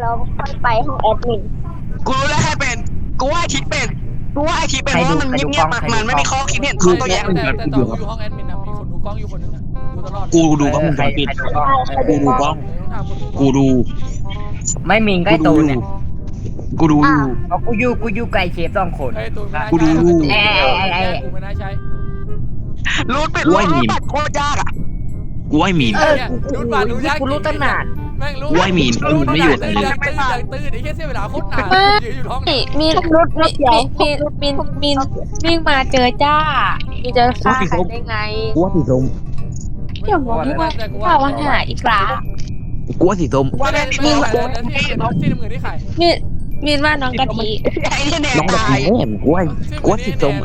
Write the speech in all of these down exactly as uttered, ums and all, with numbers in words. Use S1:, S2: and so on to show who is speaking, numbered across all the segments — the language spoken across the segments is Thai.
S1: แล้วค่อยไปห้องแอดมิน
S2: กูรู้แล้วใครเป็นกูว่าไอทิศเป็นกูว่าไอทิศเป็นเพราะมันเงียบๆมันไม่มีข้อคิดเห็นข้อตัวแย้ง
S3: แต่แต่ตอนกูอยู่ห้องแอดมินนะมีคนดูกล้องอยู่คนนึงนะดูตลอด
S2: กูดูกล้องวงจรปิดกูดูกล้องกูดู
S4: ไม่มิงใกล้ตูนเนี่ย
S2: กูดูอยู่
S4: เอากูอยู่กูอยู่ไกลเชฟสองคน
S3: เฮ้ยตูน
S2: กูดู
S4: ไอ้ไอ้ไอ้
S3: กูไม่น่าใช้
S2: รูดเป็ดรูดบัตรโคตรยากอ่ะกูไอ้มีน
S3: รูดบัตรรูดยาก
S4: กูรู้ตั้งนาน
S3: แม่งรู้
S2: กูไอ้มีนกูไม่อยู่
S3: ตื่นยังตื่นยังตื่นไอ้แค่เสียเวลาโคตรนานยืนอยู่ห้อง
S1: มีมีรถรถเดียวมีมีมีวิ่งมาเจอจ้ามีเจอฆ่าใครได้ไง
S2: กูว่าสีส้ม
S1: เดี๋ยวบอกที่ว่าข่าวว่าหาอีกครั้ง
S2: กูว่าสีส้ม
S3: ว่าแล้วที่ที่ที่น้ำเงินที่ใคร
S1: มีมีว่าน้องกะทิ
S2: ไอ้เนี่ยแน่น้องแบบนี้แน่กูว่ากูว่าสีส้ม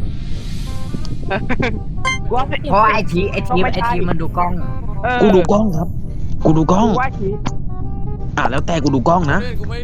S4: เพราะไอทีไอทีไอทีมันดูกล้อง
S2: กูดูกล้องครับ กูดูกล้องอ่ะแล้วแต่กูดูกล้องนะ
S3: กูไม่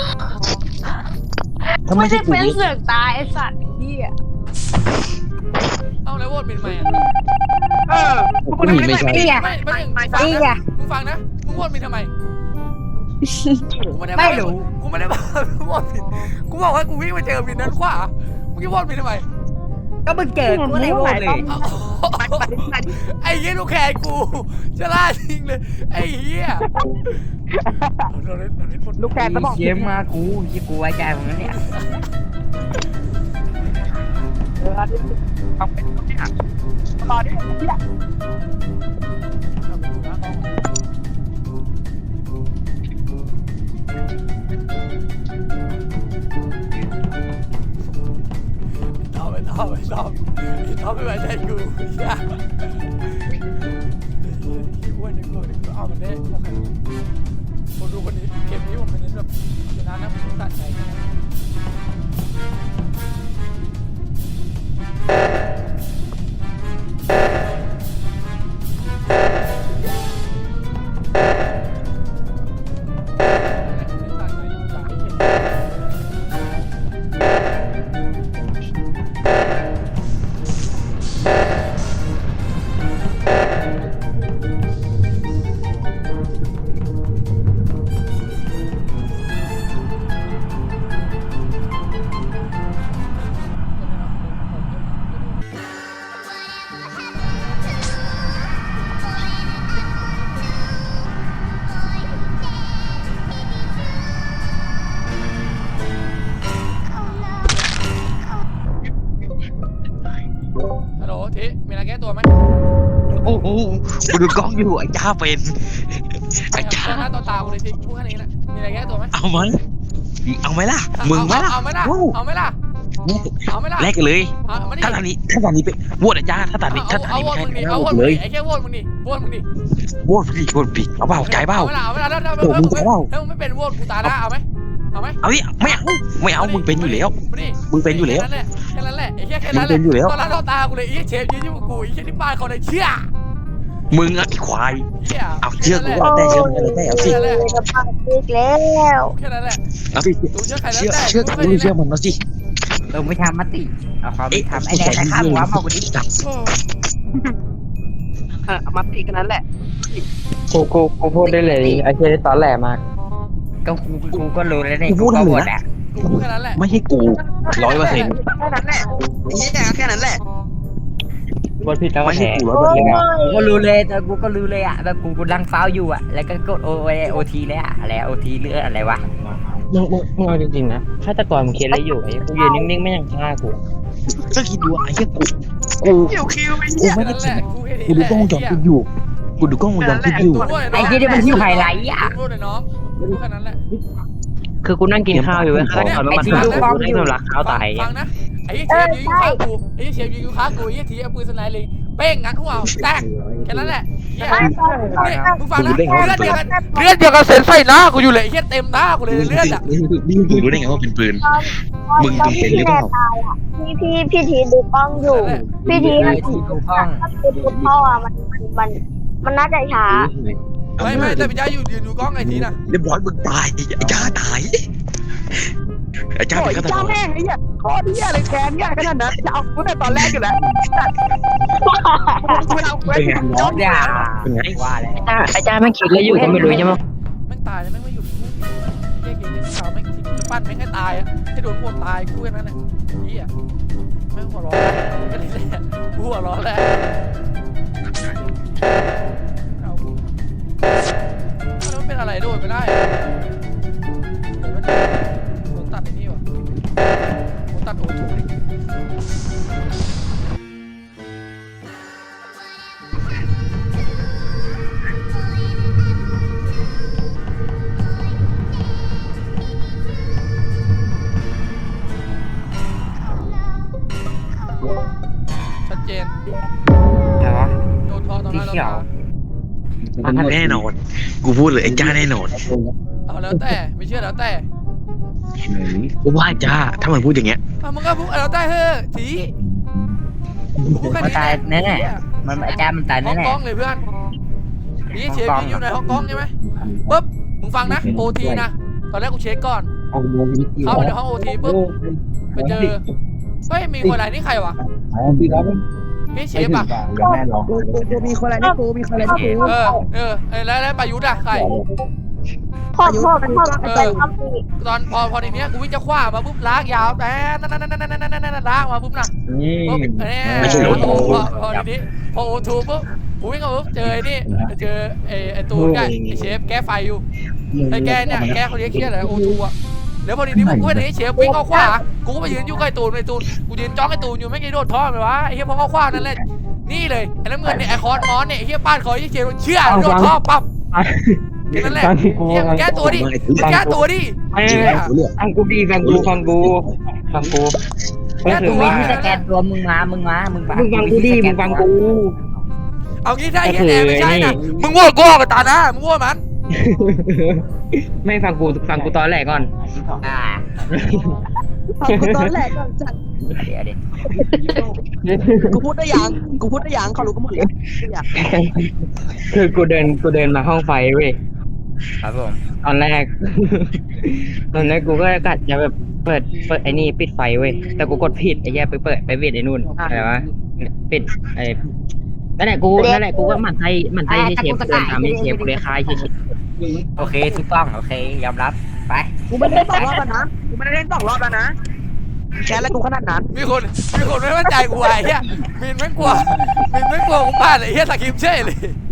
S2: ถ้าไม่
S1: ไม่
S2: ใช่
S1: ได้
S2: กู
S1: เป็นเสือกตายไอสัตว์ที่อ่ะ
S3: เอาแล้วโหวตเป็นไหมอ่ะ
S2: เออกูไม่ใช่
S4: นี่ไง
S3: ไม่ไม่ไม่ฟัง
S4: นี่ไง
S3: นะมึงฟังนะมึงโหวตเป็นทำไมกูไม่ได้
S4: ไม่รู้
S3: กูไม่ได้บอกมึงโหวตผิดกูบอกว่ากูวิ่งมาเจอผิดนั้นขวามึงจะโหวตผิดทำไม
S4: ก็มึงเจอกูเลยโว้เลย
S3: ไอ้เหี้ยลูกแขนกูจะล่าจริงเลยไอ้เหี้ย
S4: ลูกแกก็บอกเชฟมากูที่กูไว้ใจมึงนะเนี่ย
S3: ตอบไม่ตอบไม่ตอบไม่ตอบไม่ไว้ใจกูเหี้ยที่อ้วนในกูเนี่ยเอามันได้โอเคผมดูคนนี้เกมนี้ผมเป็นแบบชนะนะผมตัดใจ ฮัลโหลทีมีอะไรแก้ตัวไหม
S2: โอ้โหกูดูกล้องอยู่ไอ้จ้าเป็นไอ้จ้า
S3: ต่อหน้าต่อตากูเลยทีพูดแค่นี้แหละมีอะไรแก้ตัวไหม
S2: เอาไหมเอาไหมล่ะมึงไหมล่ะ
S3: เอาไหมล่ะเอาไหมล่ะเอาไหมล่ะ
S2: แลกกันเลย
S3: เอามาดิ
S2: ถ้าตอนนี้ถ้าตอนนี้เป็นโหวตไอ้จ้าถ้าตอนนี้ถ้าตอน
S3: เอา
S2: นี้
S3: โหว
S2: ไม่
S3: ต
S2: ใช่
S3: มึงดิเอาโหวต
S2: เล
S3: มึง
S2: ย
S3: ดิไอ้แค่โหวตมึงดิโหวตมึงดิ
S2: โหวตดิโหวตดิเอาเปล่าใจเปล่า
S3: เอาไหมล่ะเอาไหมล่ะถ้า
S2: โอ้มึงใจเปล่า
S3: ถ้ามึงไม่เป็นโหวตกูตายนะเอาไหมเอาไหม
S2: เอาดิไม่เอาไม่เอามึงเป็นอยู่แล้ว
S3: มาดิ
S2: มึงเป็นอยู่แล้ว
S3: แค่นั้นแหละแค่นั้นแหละไอ้แค่แค่นั้นแห
S2: มึ
S3: ละ
S2: งเป็นอยู่แล้ว
S3: ตอนหน้าต่อตากูเลยไอ้เชฟยืนอยู่กับกูไอ้แค่ที่บ้านเขาเลยเชื่อ
S2: มึงอะไอ้ควาย
S3: เหี้ย
S2: เอาเชื่อกูว่าแต่เชื่อมึงอะไรแต่เอาสิ
S1: เลยกับปากอีกแล้ว
S3: แค่นั้นแหละ
S2: เอาสิ
S3: ดูเชื่อใครแล้ว
S2: เชื่อ
S3: แต่
S2: เชื่อกูเชื่อมันเอาสิ
S4: เราไม่ทำมติเอาความ
S2: เอ๊ะ
S4: ไม่ทำไอ้แดงใครข้ามหัวมากูดิ
S2: จับ
S5: มัดทีกันนั้นแหละ
S6: กูกูกูพูดได้เลยไอ้เชี่ยตอนแหลมาก
S4: ก็กูกูก็รู้แล้วเนี่ยกูก็หมดอ่ะ
S3: กูพูดแค่นั้นแหละ
S2: ไม่ใช่กูร้อยเปอร์เซ็นต์
S5: แค่นั้นแหละนี่แค่นั้นแหละ
S6: บทผิดแล้วก็
S2: ไม่
S6: แฉ
S2: ใช่กูร้อยเปอร์เซ็นต์
S4: กูก็รู้เลยแต่กูก็รู้เลยอ่ะแบบกูกูดังฟ้าวอยู่อ่ะแล้วก็กดโอโอทีเลยอ่ะอะไรโอทีเลืออะไรวะ
S6: มึงมึงมึงเอาจริงๆนะฆาตกรมึงเคสอะไรอยู่ไอ้กูยืนนิ่งๆไม่ยังฆ่ากู
S2: ก็คิดดูไอ้เหี้ยกูกู
S5: คิวคิวไอ้
S2: กู
S5: เหี้ย
S2: ไม่ได้
S3: นั่นแห
S2: ผิด
S3: ละกูแค่นี้
S2: กูดูกล้องวงจรปิดอยู่กูดูกล้องวงจรปิดอยู่
S4: ไอ้ที่นี่มันฮิวไฮไลท์อ่ะ
S3: พูดเลยน้องพูดแค่นั้นแหละ
S6: คือกูนั่งกินข้าวอยู่เว้ยฆาตกรมันมาฆ่ากูกูได้สำลักข้าวตาย
S3: ฟังนะไอ้เชฟยืนอยู่ข้างกูไอ้เชฟยืนอยู่ข้างกูไอ้ทีเอาปืนสไนเลยเป้งงัดหัวแตกแค่นั้นแหละมึงฟังนะเลือดเดียวกันเลือดเดียวกันเส้นใส่หน้ากูอยู่เลยไอ้เหี้ยเต็มหน้ากูเลยเลือดอ่ะ
S2: นี่มึงรู้ได้ไงว่าเป็นปืน มึงมึงเป็นหรือเปล่า
S1: พี่พี่พี่ทีดูกล้องอยู่ พี่ที
S4: ไอ้ที่ดูกล้อง
S1: ถ้าเป็นดูพ่ออ่ะมันมันมันน่าจะช้า
S3: ไม่ไม่แต่พี่จ้าอยู่ยืนอยู่กล้องไอ้ทีน่ะ
S2: เรียบร้อยมึงตายไอ้จ้าตายไอ้จ้าเป็นฆาตก
S5: เจ้าร แม่งไอ้เหี้ยโคตรเหี้ยเลยแค้นเหี้ยขนาดนั้นจะเอากูแต่ตอนแรกอยู่แล้วกูเอากู
S2: เป็นไง
S4: รอบอย่า
S2: เป็นไง
S4: ว่าแล้ว
S6: ไอ้จ้าไอ้จ้าแม่งคิดอะไรอยู่ก็ไม่รู้ใช่ไหม
S3: แม่งตายแล้วแม่งไม่หยุดกาวแม่งทิ้งจะปั้นแม่งให้ตายอ่ะให้โดนพวกตายกูแค่นั้นแหละเฮียแม่งหัวร้อนก็นี่แหละกูหัวร้อนแล้วเอาแล้วมันเป็นอะไรโดนไม่ได้เดี๋ยวมันโดนตัดไอ้นี่วะโดนตัดโอทูดิชัดเจน
S4: อะไรวะ
S3: โดนทอตอนนั้น
S4: สีเขียว
S2: แน่นอนกูพูดเลยไอ้จ้าแน่นอน
S3: เอาแล้วแต่ไม่เชื่อแล้วแต่
S2: กูว่าจ้าถ้ามันพูดอย่างเงี้ย
S3: เอามึงก็พูดแล้วแต่เฮ้ยทีพูดแค่
S4: มัน
S3: นี้
S4: ตายแน่ๆมันไอ้แก้มมันตาย
S3: ห้อง
S4: แน่
S3: กล้องเลยเพื่อนนี่เชฟอยู่ในห้องกล้องใช่ไหมปุ๊บมึงฟังนะโอทีนะตอนแรกกูเช็คก่อนเข้าไปในห้องโอทีปุ๊บไปเจอเฮ้ยมีคนอะไรนี่ใครวะนี่เชฟอ่ะ
S5: กูกูมีคนอะไรนี่กูมีคนอะไรนี่กู
S3: เออเออเออแล้วแล้วประยุทธ์อ่ะใคร
S5: พ่อพ่อพ่อไอ้
S3: ตอนพอพอทีเนี้ยกูวิ่งจะคว้ามาปุ๊บลากยาวแต่นั่นนั่นนั่นนั่นนั่นนั่นลากมาปุ๊บนะปุ๊บเนี่ยพอพอทีนี้พอโอทูปุ๊บกูวิ่งมาปุ๊บเจอไอ้นี่เจอไอ้ไอ้ตูนกับไอ้เชฟแก้ไฟอยู่ไอ้แกเนี่ยแกคนนี้เครียดเลยโอทูอ่ะแล้วพอทีนี้กูเห็นไอ้เชฟวิ่งเข้าขวากูก็ไปยืนอยู่ใกล้ตูนไอ้ตูนกูยืนจ้องไอ้ตูนอยู่ไม่กี่โดดท่อเลยวะไอ้เหี้ยพอเข้าขวานั่นแหละนี่เลยไอ้น้ำเงินเนี่ยไอ้คอร์สมอนเนี่ยไอ้เหี้ยป้านคอยไอ้เชฟเชื่อโดดท่อปั๊บนั่นแหละแก้ตัวดิแก้ตัวดิ
S6: ฟังกูดีฟังกูฟังกูฟังกู
S4: ๆแก้ตัวที่สแกนตัวมึงมามึงมามึงมา
S6: มึงฟังกูดีมึงฟังกู
S3: เอางี้ถ้าไอ้เหี้ยแอนไม่ใช่นะมึงโง่กูออกกับตานะมึงโง่มัน
S6: ไม่ฟังกูฟังกูตอนแรกก่อน
S4: อ่า
S5: กูตอนแรกก่อนจัด
S4: เดี๋ยวดิ
S5: กูพูดได้ยังกูพูดได้ยังเขารู้กันหมดเลย
S6: คือกูเดินกูเดินมาห้องไฟเว้ย
S4: ครับผม
S6: ตอนแรก ตอนแรกกูก็กะจะแบบเปิดเปิดไอ้นี่ปิดไฟเว้ยแต่กูกดผิดไอ้แย่ไปเปิดไปปิดไอ้นู่นอะไรวะปิดไอ้นั่นแหละกูนั่นแหละกูก็หมั่นไส้หมั่นไส้ให้เชฟเดินตามให้เชฟกูเลยคายเชฟ
S4: โอเคถูกต้องโอเคยอมรับไป
S5: กูไม่ได้เล่นสองรอบแล้วนะกูไม่ได้เล่นสองรอบแล้วนะแค่แล้วกูขนาดนั้น
S3: มีคนมีคนไม่มั่นใจกูไอ้เหี้ยมินไม่กลัวมินไม่กลัวกูพลาดเลยเหี้ยสกิปเช่เลย